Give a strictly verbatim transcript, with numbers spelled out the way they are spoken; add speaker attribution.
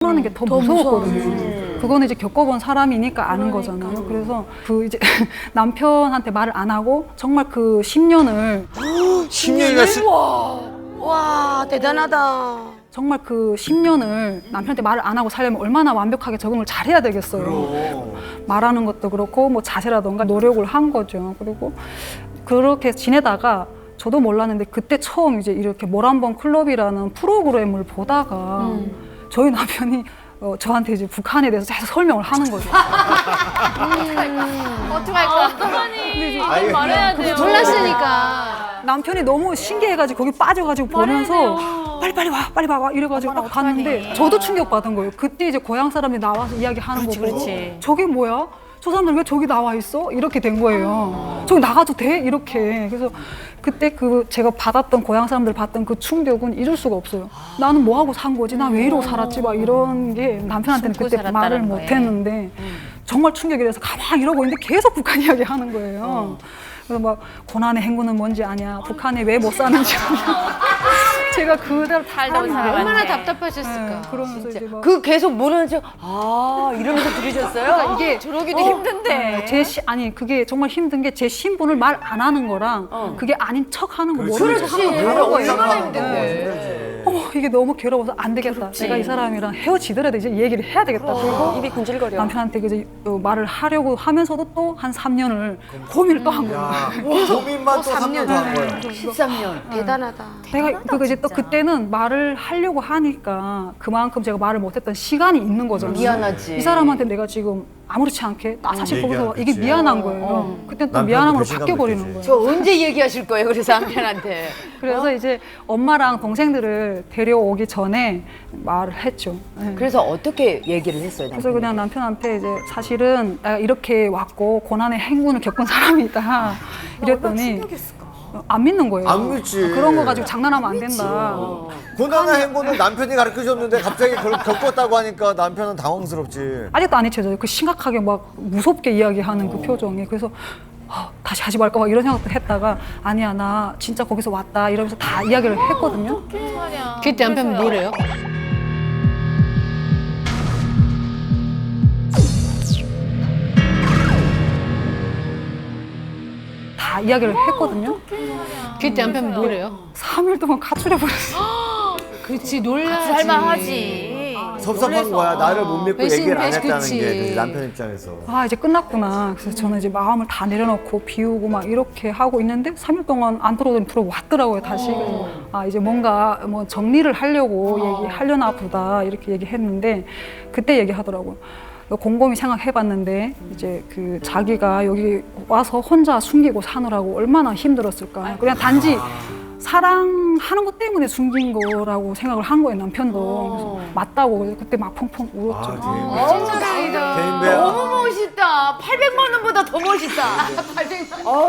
Speaker 1: 떠나는 게 더 무서웠거든요. 그거는 이제 겪어본 사람이니까 아는 거잖아요. 그래서 그 이제 남편한테 말을 안 하고 정말 그 십 년을
Speaker 2: 십 년이나 쓰...
Speaker 3: 와, 대단하다.
Speaker 1: 정말 그 십 년을 남편한테 말을 안 하고 살려면 얼마나 완벽하게 적응을 잘해야 되겠어요.
Speaker 2: 그럼.
Speaker 1: 말하는 것도 그렇고 뭐 자세라던가 노력을 한 거죠. 그리고 그렇게 지내다가 저도 몰랐는데 그때 처음 이제 이렇게 모란봉 클럽이라는 프로그램을 보다가
Speaker 3: 음.
Speaker 1: 저희 남편이 어, 저한테 이제 북한에 대해서 계속 설명을 하는 거죠.
Speaker 4: 어떡할 거야? 어떡하니?
Speaker 2: 아이고,
Speaker 4: 말해야 돼요.
Speaker 3: 몰랐으니까.
Speaker 1: 남편이 너무 신기해가지고 거기 빠져가지고 보면서 빨리 빨리 와 빨리 와 이래가지고 딱 봤는데 저도 충격받은 거예요. 그때 이제 고향 사람들이 나와서 이야기하는 거 보고
Speaker 4: 그렇지.
Speaker 1: 저게 뭐야? 저 사람들 왜 저기 나와 있어? 이렇게 된 거예요. 저기 나가도 돼? 이렇게. 그래서 그때 그 제가 받았던 고향 사람들 받던 그 충격은 잊을 수가 없어요. 나는 뭐 하고 산 거지? 나 왜 이러고 살았지? 막 이런 게 남편한테는
Speaker 4: 숨고
Speaker 1: 그때
Speaker 4: 살았다는
Speaker 1: 말을
Speaker 4: 거예요.
Speaker 1: 못 했는데 정말 충격이라서 가만히 이러고 있는데 계속 북한 이야기 하는 거예요. 그래서 막 고난의 행군은 뭔지 아냐? 북한에 왜 못 사는지 아냐? 제가 그대로
Speaker 4: 살다 온
Speaker 1: 하는
Speaker 4: 사람
Speaker 1: 거예요.
Speaker 3: 얼마나
Speaker 4: 네.
Speaker 3: 답답하셨을까.
Speaker 1: 네, 그러면서 이제 막
Speaker 3: 그 계속 모르는 척, 아, 이러면서 들으셨어요?
Speaker 1: 이게
Speaker 4: 저러기도
Speaker 1: 어,
Speaker 4: 힘든데.
Speaker 1: 네, 제 시, 아니 그게 정말 힘든 게 제 신분을 말 안 하는 거랑 그게 아닌 척 하는 거 모르는 척 하는 거
Speaker 3: 그렇지.
Speaker 1: 다른 거예요.
Speaker 3: 얼마나
Speaker 2: 네.
Speaker 3: 힘든데.
Speaker 1: 어머 이게 너무 괴로워서 안 되겠다. 내가 이 사람이랑 헤어지더라도 이제 얘기를 해야 되겠다. 그리고
Speaker 3: 입이 군질거려.
Speaker 1: 남편한테 이제 어, 말을 하려고 하면서도 또 한 삼 년을 고민을 또 한 거예요.
Speaker 2: 야, 고민만 또 삼 년 더 한 거야.
Speaker 3: 십삼 년. 대단하다.
Speaker 1: 내가 그거 이제 또 그때는 말을 하려고 하니까 그만큼 제가 말을 못했던 시간이 있는 거잖아요.
Speaker 3: 미안하지.
Speaker 1: 이 사람한테 내가 지금 아무렇지 않게 나 사실 거기서
Speaker 2: 얘기하는
Speaker 1: 이게
Speaker 2: 거지.
Speaker 1: 미안한 거예요. 그때 또
Speaker 2: 남편도
Speaker 1: 미안함으로
Speaker 2: 배신감
Speaker 1: 바뀌어 버리는
Speaker 2: 느끼지.
Speaker 1: 거예요.
Speaker 3: 저 언제 얘기하실 거예요, 그래서 남편한테?
Speaker 1: 그래서 이제 엄마랑 동생들을 데려오기 전에 말을 했죠. 네.
Speaker 3: 그래서 어떻게 얘기를 했어요,
Speaker 1: 그래서
Speaker 3: 남편이?
Speaker 1: 그냥 남편한테 이제 사실은 내가 이렇게 왔고 고난의 행군을 겪은 사람이다 이랬더니 안 믿는 거예요.
Speaker 2: 안 믿지.
Speaker 1: 어, 그런 거 가지고 장난하면 안 된다.
Speaker 2: 고난의 행군을 남편이 가르쳐줬는데 갑자기 그걸 겪었다고 하니까 남편은 당황스럽지.
Speaker 1: 아직도 안 잊혀져요. 그 심각하게 막 무섭게 이야기하는 그 표정이. 그래서 어, 다시 하지 말까 막 이런 생각도 했다가 아니야 나 진짜 거기서 왔다 이러면서 다 이야기를 했거든요.
Speaker 3: 그때 남편은 뭐래요?
Speaker 1: 다 이야기를 했거든요.
Speaker 3: 그때 남편은 뭐래요?
Speaker 1: 삼 일 동안 가출해 버렸어요.
Speaker 3: 그렇지, 놀라지.
Speaker 4: 살만하지.
Speaker 2: 섭섭한 거야. 나를 못 믿고
Speaker 3: 배신,
Speaker 2: 얘기를 안
Speaker 3: 배신,
Speaker 2: 했다는
Speaker 3: 그치.
Speaker 2: 게 그치, 남편 입장에서.
Speaker 1: 아 이제 끝났구나. 그래서 저는 이제 마음을 다 내려놓고 비우고 막 이렇게 하고 있는데 삼 일 동안 안 들어오더니 들어왔더라고요 다시. 그래서 아 이제 뭔가 뭐 정리를 하려고 얘기하려나 보다 이렇게 얘기했는데 그때 얘기하더라고요. 곰곰이 생각해봤는데 이제 그 자기가 여기 와서 혼자 숨기고 사느라고 얼마나 힘들었을까. 그냥 단지 사랑하는 것 때문에 숨긴 거라고 생각을 한 거예요 남편도. 그래서 맞다고 그래서 그때 막 펑펑 울었죠.
Speaker 2: 아,
Speaker 3: 어, 다행이다.
Speaker 2: 개인배야.
Speaker 3: 너무 멋있다. 팔백만 원보다 더 멋있다. 팔백만 원.